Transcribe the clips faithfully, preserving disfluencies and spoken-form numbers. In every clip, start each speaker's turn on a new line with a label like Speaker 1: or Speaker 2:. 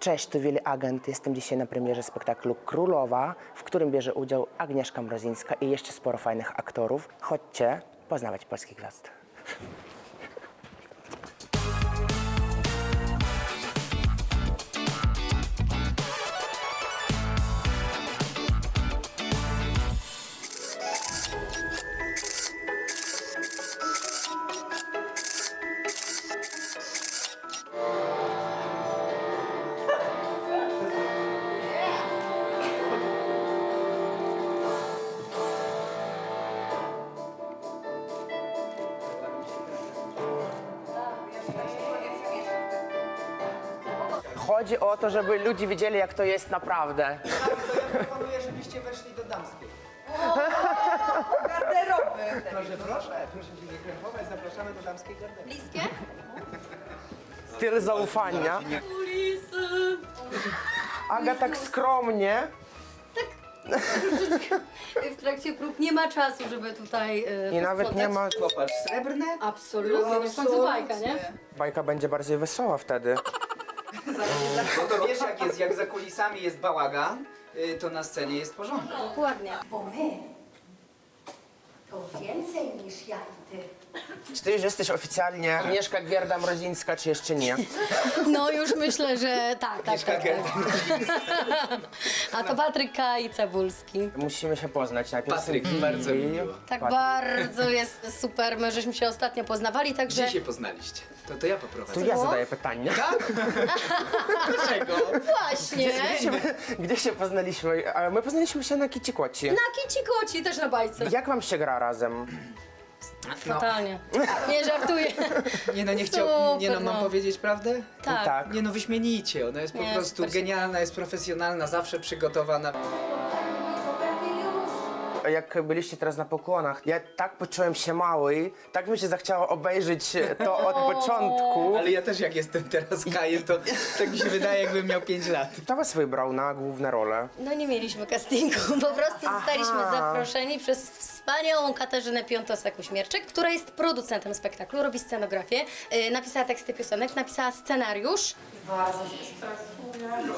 Speaker 1: Cześć, tu Willy Agent. Jestem dzisiaj na premierze spektaklu Królowa, w którym bierze udział Agnieszka Mrozińska i jeszcze sporo fajnych aktorów. Chodźcie poznawać polskich gwiazd. Chodzi o to, żeby ludzie widzieli, jak to jest naprawdę.
Speaker 2: Tak, to ja proponuję, żebyście weszli do damskiej.
Speaker 3: Garderoby.
Speaker 2: Proszę, proszę, proszę się nie krępować, zapraszamy do damskiej garderoby.
Speaker 3: Bliskie?
Speaker 1: Tyle zaufania.
Speaker 3: Kulisy.
Speaker 1: Aga tak skromnie.
Speaker 3: W trakcie prób nie ma czasu, żeby tutaj yy,
Speaker 1: I nawet nie ma...
Speaker 2: Popatrz, srebrne?
Speaker 3: Absolutnie, no w końcu bajka, nie?
Speaker 1: Bajka będzie bardziej wesoła wtedy.
Speaker 2: No to wiesz jak jest, jak za kulisami jest bałagan, y, to na scenie jest porządek.
Speaker 3: Dokładnie.
Speaker 4: Bo my to więcej niż ja i ty.
Speaker 1: Czy ty już jesteś oficjalnie Agnieszka Gierda-Mrozińska, czy jeszcze nie?
Speaker 3: No już myślę, że tak, tak, tak, tak. A to Patryk K. i Cebulski.
Speaker 1: Musimy się poznać najpierw.
Speaker 2: Patryk, bardzo mi miło.
Speaker 3: Tak
Speaker 1: Patryk.
Speaker 3: bardzo jest super, my żeśmy się ostatnio poznawali, także...
Speaker 2: Gdzie się poznaliście? To, to ja poprowadzę.
Speaker 1: Tu ja zadaję pytanie.
Speaker 2: Tak? Dlaczego?
Speaker 3: Właśnie!
Speaker 1: Gdzie się, gdzie się poznaliśmy? A my poznaliśmy się na Kicikoci.
Speaker 3: Na Kici Koci, też na bajce.
Speaker 1: Jak wam się gra razem?
Speaker 2: No,
Speaker 3: Totalnie. Nie żartuję.
Speaker 2: nie no, nie chciał, nie no,
Speaker 3: Super,
Speaker 2: mam
Speaker 3: no.
Speaker 2: powiedzieć prawdę?
Speaker 3: Tak.
Speaker 1: Tak.
Speaker 2: Nie no, wyśmienicie, ona jest po
Speaker 3: Nie,
Speaker 2: prostu
Speaker 3: super.
Speaker 2: genialna, jest profesjonalna, zawsze przygotowana.
Speaker 1: Jak byliście teraz na pokłonach, ja tak poczułem się mały, tak mi się zachciało obejrzeć to od początku.
Speaker 2: Ale ja też jak jestem teraz Kajem, to tak mi się wydaje, jakbym miał pięć lat.
Speaker 1: Kto was wybrał na główne role?
Speaker 3: No nie mieliśmy castingu, po prostu zostaliśmy zaproszeni przez wspaniałą Katarzynę Piątosak-Uśmierczyk, która jest producentem spektaklu, robi scenografię, yy, napisała teksty piosenek, napisała scenariusz. Bardzo się stresuję.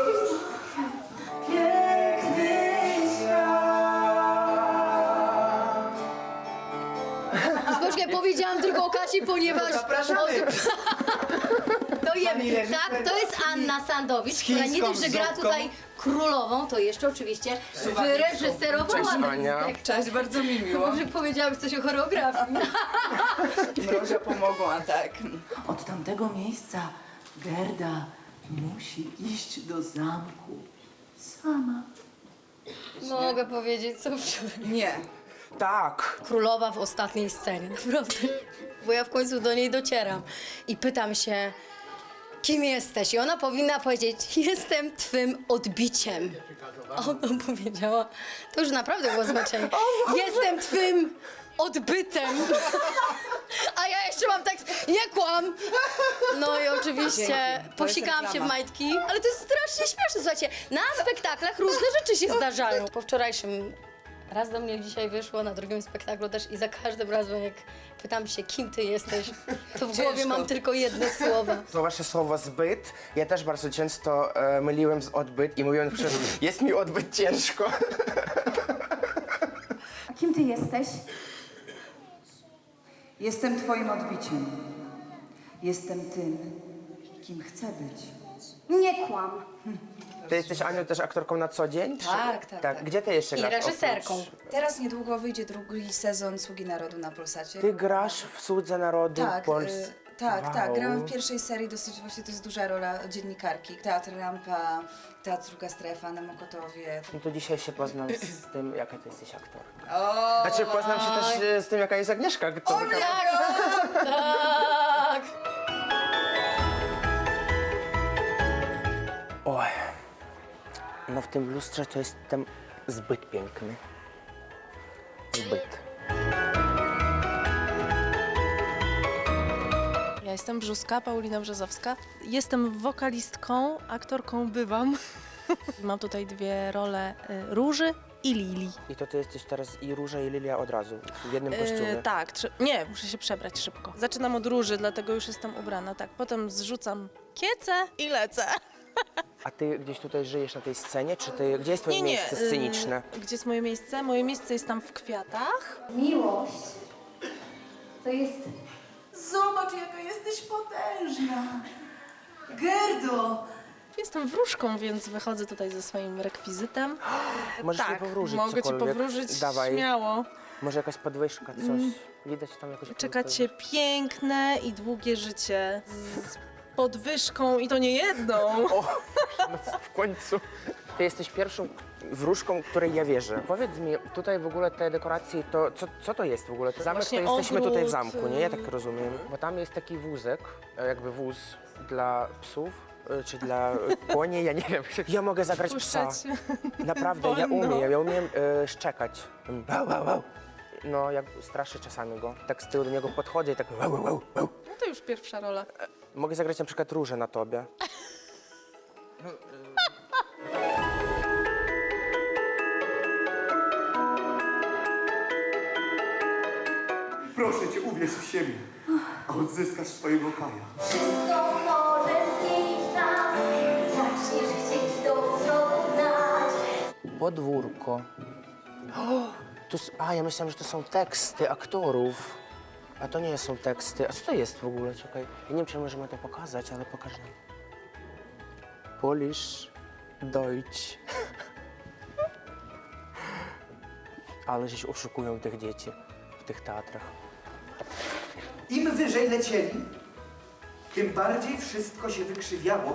Speaker 3: Poczekaj, powiedziałam tylko o Kasi, ponieważ...
Speaker 2: Zapraszamy!
Speaker 3: To jemy.
Speaker 2: Pani reżyser
Speaker 3: Tak, to jest Anna Sandowicz,
Speaker 2: z
Speaker 3: która nie
Speaker 2: chińską
Speaker 3: dość, że gra
Speaker 2: zupką.
Speaker 3: tutaj królową, to jeszcze oczywiście wyreżyserowała
Speaker 1: Cześć,
Speaker 3: ten
Speaker 1: Ania.
Speaker 3: spektakl.
Speaker 5: Cześć, bardzo mi miło.
Speaker 3: Może powiedziałabyś coś o choreografii.
Speaker 5: Mrozia pomogła, tak. Od tamtego miejsca Gerda musi iść do zamku sama.
Speaker 3: Mogę powiedzieć, co wczoraj.
Speaker 5: Nie.
Speaker 1: Tak.
Speaker 3: Królowa w ostatniej scenie, naprawdę. Bo ja w końcu do niej docieram i pytam się, kim jesteś? I ona powinna powiedzieć, jestem twym odbiciem. A ona powiedziała, to już naprawdę było znaczenie. Jestem twym odbytem. A ja jeszcze mam tekst, nie kłam. No i oczywiście
Speaker 5: Dzięki. To jest
Speaker 3: posikałam się w
Speaker 5: reklama.
Speaker 3: majtki, ale to jest strasznie śmieszne. Słuchajcie, na spektaklach różne rzeczy się zdarzają. Po wczorajszym raz do mnie dzisiaj wyszło, na drugim spektaklu też i za każdym razem jak pytam się, kim ty jesteś, to w głowie mam tylko jedne słowa.
Speaker 1: To wasze słowo zbyt. Ja też bardzo często e, myliłem z odbyt i mówiłem przez jest mi odbyt ciężko.
Speaker 6: Kim ty jesteś? Jestem twoim odbiciem. Jestem tym, kim chcę być.
Speaker 4: Nie kłam.
Speaker 1: Ty jesteś, Aniu, też aktorką na co dzień? czy-
Speaker 5: Tak, tak, tak.
Speaker 1: Gdzie ty jeszcze
Speaker 3: I
Speaker 1: grasz?
Speaker 3: reżyserką.
Speaker 1: oprócz-
Speaker 5: Teraz niedługo wyjdzie drugi sezon Sługi Narodu na Polsacie.
Speaker 1: Ty grasz w Słudze Narodu
Speaker 5: Tak,
Speaker 1: Pols...
Speaker 5: y, tak,
Speaker 1: Wow.
Speaker 5: tak. Grałam w pierwszej serii, dosyć właśnie to jest duża rola dziennikarki. Teatr Rampa, Teatr Druga Strefa na Mokotowie.
Speaker 1: No to dzisiaj się poznam z tym, jaka ty jesteś aktorka.
Speaker 5: O!
Speaker 1: Znaczy poznam się też e, z tym, jaka jest Agnieszka. To
Speaker 3: Tak!
Speaker 1: Oj, no w tym lustrze to jestem zbyt piękny. Zbyt.
Speaker 7: Ja jestem Brzuska, Paulina Brzozowska. Jestem wokalistką, aktorką bywam. Mam tutaj dwie role y, Róży i Lili.
Speaker 1: I to ty jesteś teraz i Róża, i Lilia od razu, w jednym kostiumie.
Speaker 7: E, tak, trzy, nie, muszę się przebrać szybko. Zaczynam od Róży, dlatego już jestem ubrana, tak. Potem zrzucam kiece i lecę.
Speaker 1: A ty gdzieś tutaj żyjesz na tej scenie, czy ty, gdzie jest twoje miejsce
Speaker 7: y,
Speaker 1: sceniczne?
Speaker 7: Gdzie jest moje miejsce? Moje miejsce jest tam w kwiatach.
Speaker 4: Miłość to jest
Speaker 6: Zobacz, jaka jesteś potężna. Gerdo!
Speaker 7: Jestem wróżką, więc wychodzę tutaj ze swoim rekwizytem.
Speaker 1: Możesz mi
Speaker 7: Tak,
Speaker 1: powróżyć
Speaker 7: mogę ci
Speaker 1: cokolwiek?
Speaker 7: powróżyć
Speaker 1: Dawaj.
Speaker 7: śmiało.
Speaker 1: Może jakaś podwyżka, coś? Widać tam jakoś...
Speaker 7: Czeka cię piękne i długie życie z podwyżką i to nie jedną.
Speaker 1: O, w końcu. Ty jesteś pierwszą wróżką, której ja wierzę. Powiedz mi, tutaj w ogóle te dekoracje, to co, co to jest w ogóle? To zamek, to
Speaker 7: Właśnie
Speaker 1: jesteśmy tutaj w
Speaker 7: ogród,
Speaker 1: zamku, nie? Ja tak rozumiem. Bo tam jest taki wózek, e, jakby wóz dla psów, e, czy dla e, koni, ja nie wiem. Ja mogę zagrać psa.
Speaker 7: Puszczać.
Speaker 1: Naprawdę, ja
Speaker 7: Wolno.
Speaker 1: umiem, ja umiem e, szczekać. Wow, wow, wow. No, jak straszę czasami go. Tak z tyłu do niego podchodzę i tak wow, wow, wow, wow.
Speaker 7: No to już pierwsza rola.
Speaker 1: Mogę zagrać na przykład różę na tobie.
Speaker 8: Proszę cię, uwierz w siebie, a odzyskasz swojego Kaja.
Speaker 4: wszystko może zmienić nas, gdy zaczniesz chcieć do przodu gnać.
Speaker 1: Podwórko. O, tu, s- a, ja myślałem, że to są teksty aktorów. A to nie są teksty. A co to jest w ogóle? Czekaj. Ja nie wiem, czy możemy to pokazać, ale pokażę. Polish, Deutsch. Ale żeś oszukują tych dzieci w tych teatrach.
Speaker 2: Im wyżej lecieli, tym bardziej wszystko się wykrzywiało.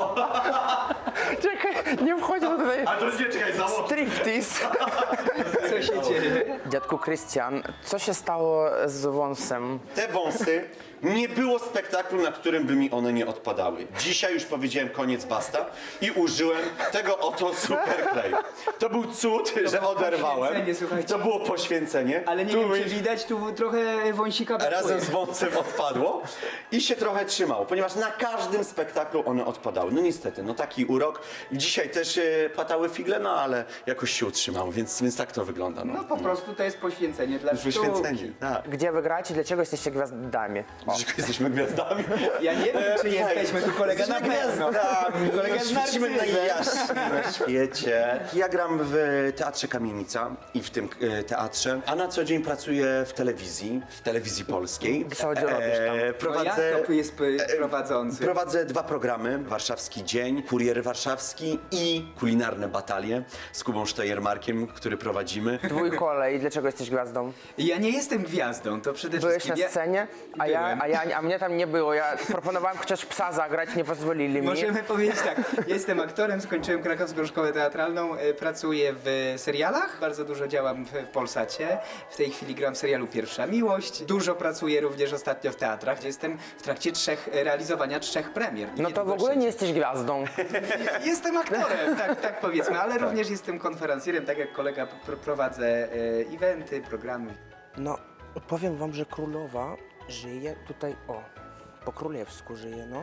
Speaker 1: Czekaj, nie wchodź tutaj.
Speaker 8: A to nie, czekaj, założ.
Speaker 1: Striptease.
Speaker 2: Co się dzieje?
Speaker 1: Dziadku Krystian, co się stało z wąsem?
Speaker 8: Te wąsy, nie było spektaklu, na którym by mi one nie odpadały. Dzisiaj już powiedziałem koniec, basta i użyłem tego oto superkleju. To był cud, że oderwałem.
Speaker 2: poświęcenie, słuchajcie.
Speaker 8: To było poświęcenie.
Speaker 2: Ale nie
Speaker 8: Tu
Speaker 2: wiem, czy
Speaker 8: mi-
Speaker 2: widać, tu trochę wąsika brakuje.
Speaker 8: Razem z wąsem odpadło i się trochę trzymało, ponieważ na każdym spektaklu one odpadały. No niestety, no taki urok. Dzisiaj też e, płatały figle, no ale jakoś się utrzymało, więc, więc tak to wygląda. No,
Speaker 2: No po prostu to jest poświęcenie dla sztuki.
Speaker 8: Wyświęcenie, tak.
Speaker 1: Gdzie wygracie? Dlaczego jesteście gwiazdami? O.
Speaker 8: Dlaczego jesteśmy gwiazdami?
Speaker 2: Ja nie wiem, czy
Speaker 8: Hej,
Speaker 2: jesteśmy tu kolega na
Speaker 8: jesteśmy
Speaker 2: pewno.
Speaker 8: gwiazdami,
Speaker 2: Kolega
Speaker 8: no,
Speaker 2: z
Speaker 8: świecimy
Speaker 2: narcyzem.
Speaker 8: najjaśniej na świecie. Ja gram w Teatrze Kamienica i w tym e, teatrze, a na co dzień pracuję w telewizji, w telewizji polskiej.
Speaker 1: Co robisz tam?
Speaker 8: E,
Speaker 2: No
Speaker 8: prowadzę,
Speaker 2: jak to jest p- prowadzący?
Speaker 8: prowadzę dwa programy, Warszawski Dzień, Kurier Warszawski i Kulinarne Batalie z Kubą Sztojermarkiem, który prowadzimy.
Speaker 1: Twój kolej, dlaczego jesteś gwiazdą?
Speaker 2: Ja nie jestem gwiazdą, to przede
Speaker 1: Byłeś
Speaker 2: wszystkim...
Speaker 1: na
Speaker 2: ja-
Speaker 1: scenie, a ja,
Speaker 2: Byłem.
Speaker 1: a ja, a mnie tam nie było. Ja proponowałem chociaż psa zagrać, nie pozwolili mi.
Speaker 2: Możemy powiedzieć tak, jestem aktorem, skończyłem Krakowską Szkołę Teatralną, e, pracuję w serialach, bardzo dużo działam w, w Polsacie, w tej chwili gram w serialu Pierwsza Miłość, dużo pracuję również ostatnio w teatrach, gdzie jestem w trakcie trzech, e, realizowania trzech premier.
Speaker 1: No to w
Speaker 2: Niedługo
Speaker 1: ogóle nie
Speaker 2: trzeciej.
Speaker 1: jesteś gwiazdą.
Speaker 2: Jestem aktorem, tak, tak powiedzmy, ale również jestem konferencjerem, tak jak kolega pr- prowadzę e, eventy, programy.
Speaker 1: No, powiem wam, że królowa żyje tutaj, o, po królewsku żyje, no.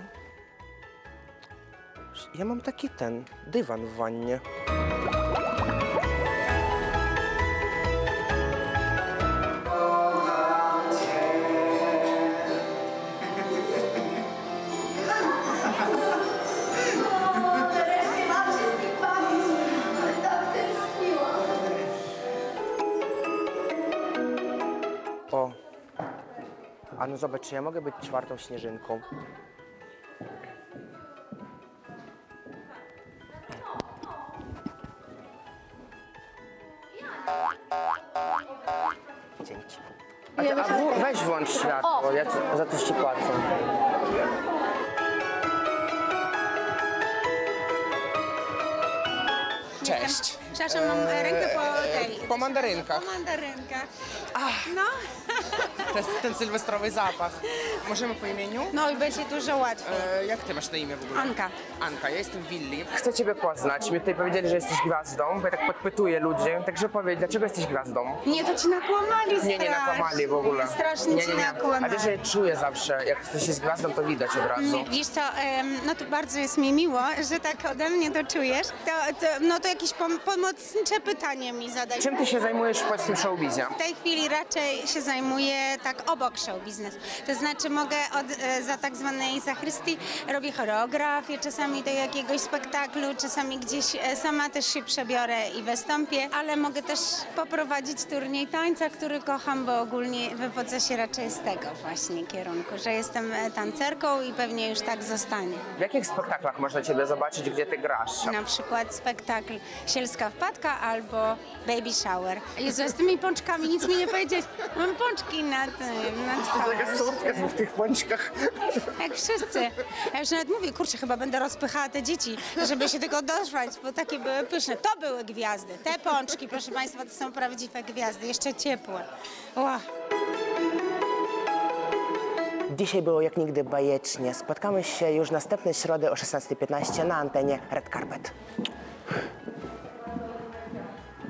Speaker 1: Ja mam taki ten, dywan w wannie.
Speaker 4: O, nareszcie mam się z nim bawić. Tak tęskniłam.
Speaker 1: O, a no zobacz, czy ja mogę być czwartą śnieżynką? Dzięki. A, ty, a w, weź włącz światło, ja ci- za to ci płacę. Cześć.
Speaker 9: Przepraszam, mam rękę po tej.
Speaker 1: Po mandarynkach.
Speaker 9: Po mandarynkach. No,
Speaker 1: To jest ten sylwestrowy zapach. Możemy po imieniu?
Speaker 9: no i będzie dużo łatwiej.
Speaker 1: E, jak ty masz na imię w ogóle?
Speaker 9: Anka.
Speaker 1: Anka, ja jestem Willi. Chcę ciebie poznać. Mi tutaj powiedzieli, że jesteś gwiazdą, bo ja tak podpytuję ludzi. Także powiedz, dlaczego jesteś gwiazdą?
Speaker 9: Nie, to ci nakłamali strasznie.
Speaker 1: Nie, nie nakłamali w ogóle.
Speaker 9: Strasznie
Speaker 1: nie,
Speaker 9: ci
Speaker 1: nie, nie.
Speaker 9: nakłamali.
Speaker 1: A wiesz, że ja czuję zawsze, jak ktoś jest gwiazdą, to widać od razu.
Speaker 9: Wiesz co, em, no to bardzo jest mi miło, że tak ode mnie to czujesz. To, to, no to jakiś pom- pomysł pomocnicze pytanie mi zadać.
Speaker 1: Czym ty się zajmujesz w polskim showbizie?
Speaker 9: W tej chwili raczej się zajmuję tak obok show biznesu. To znaczy mogę od, e, za tak zwanej zachrystii robię choreografię, czasami do jakiegoś spektaklu, czasami gdzieś e, sama też się przebiorę i wystąpię, ale mogę też poprowadzić turniej tańca, który kocham, bo ogólnie wywodzę się raczej z tego właśnie kierunku, że jestem e, tancerką i pewnie już tak zostanie.
Speaker 1: W jakich spektaklach można ciebie zobaczyć, gdzie ty grasz?
Speaker 9: Na przykład spektakl Sielska wpadka albo Baby Shower. Jezu, z tymi pączkami nic mi nie powiedzieć. Mam pączki na tym, na twarzy.
Speaker 1: w tych pączkach.
Speaker 9: Jak wszyscy. Ja już nawet mówię, kurczę, chyba będę rozpychała te dzieci, żeby się tego doszwać, bo takie były pyszne. To były gwiazdy. Te pączki, proszę Państwa, to są prawdziwe gwiazdy, jeszcze ciepłe. Ła.
Speaker 1: Dzisiaj było jak nigdy bajecznie. Spotkamy się już następnej środy o szesnasta piętnaście na antenie Red Carpet.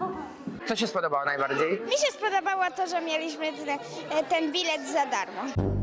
Speaker 1: Co się spodobało najbardziej?
Speaker 10: Mi się spodobało to, że mieliśmy ten, ten bilet za darmo.